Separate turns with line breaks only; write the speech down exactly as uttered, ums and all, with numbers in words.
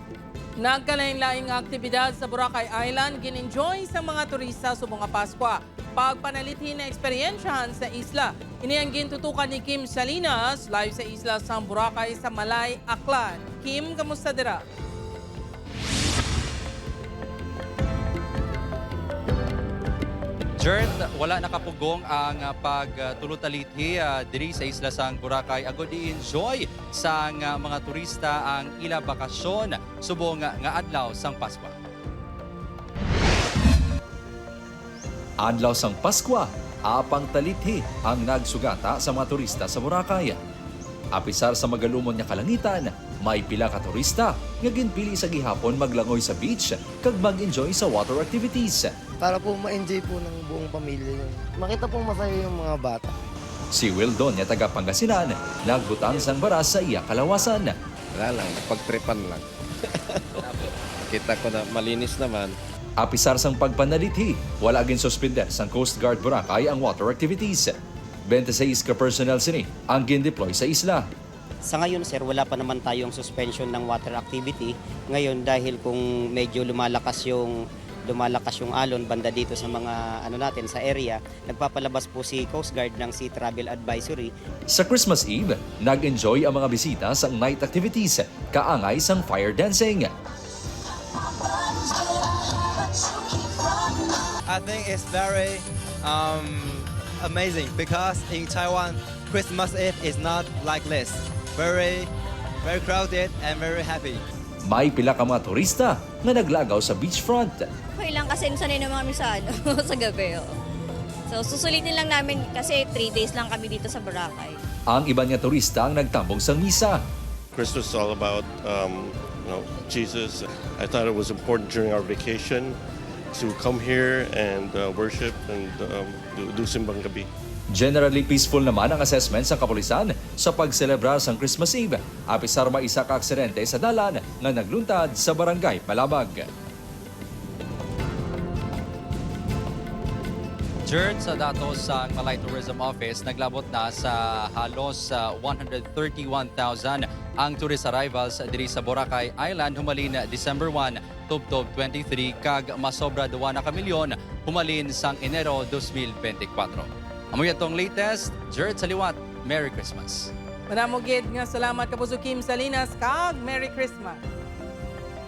Nagkalain-laing aktibidad sa Boracay Island gin-enjoy sa mga turista sa mga Paskwa. Pagpanalitin na eksperyensyahan sa isla. Inianggin tutukan ni Kim Salinas live sa isla sa Boracay sa Malay, Aklan. Kim, kamusta dira?
Jert, wala nakapugong ang uh, pagtulutalithi uh, diri sa isla sang Boracay. Agod i-enjoy sang uh, mga turista ang ila bakasyon subong uh, nga adlaw sang Paskwa.
Adlaw sang Paskwa, apang talithi ang nagsugata sa mga turista sa Boracay. Apisar sa magalumon nga kalangitan, may pila ka turista nga ginpili sa gihapon maglangoy sa beach kag mag-enjoy sa water activities.
Para po ma-enjoy po ng buong pamilya yun. Makita pong masaya yung mga bata.
Si Wildon nga taga Pangasinan, nagbutang sang baras sa iya kalawasan.
Wala lang, pagtripan lang. Kita ko na malinis naman.
Apisar sang pagpanalithi, wala gin suspender sang Coast Guard Boracay ang water activities. twenty-six ka personnel sini ang gin-deploy sa isla.
Sa ngayon sir, wala pa naman tayong suspension ng water activity. Ngayon dahil kung medyo lumalakas yung lumalakas yung alon banda dito sa mga ano natin sa area, nagpapalabas po si Coast Guard ng Sea Travel Advisory.
Sa Christmas Eve, nag-enjoy ang mga bisita sa night activities, kaangay sang fire dancing.
I think it's very um, amazing because in Taiwan, Christmas Eve is not like this. Very, very crowded and very happy.
May pila ka mga turista na naglagaw sa beachfront.
Okay lang kasi sanay naman kami sa, ano, sa gabi. Oh. So susulitin lang namin kasi three days lang kami dito sa Boracay.
Ang iba nga turista ang nagtambong sa misa.
Christmas is all about um, you know, Jesus. I thought it was important during our vacation to come here and uh, worship and um, do, do simbang gabi.
Generally peaceful naman ang assessment sa kapulisan sa pagselebrar sang Christmas Eve. Apisar ma isa ka aksidente sa dalan na nagluntad sa Barangay Palabag.
Jert, sa datos sa Malay Tourism Office, naglabot na sa halos uh, one hundred thirty-one thousand ang tourist arrivals diri sa Boracay Island humalin December first, tubtob twenty-three kag masobra duwa na ka milyon humalin sang Enero twenty twenty-four. Amoy atong latest, Jert sa liwat. Merry Christmas.
Manamugid nga salamat kapuso Kim Salinas kag Merry Christmas.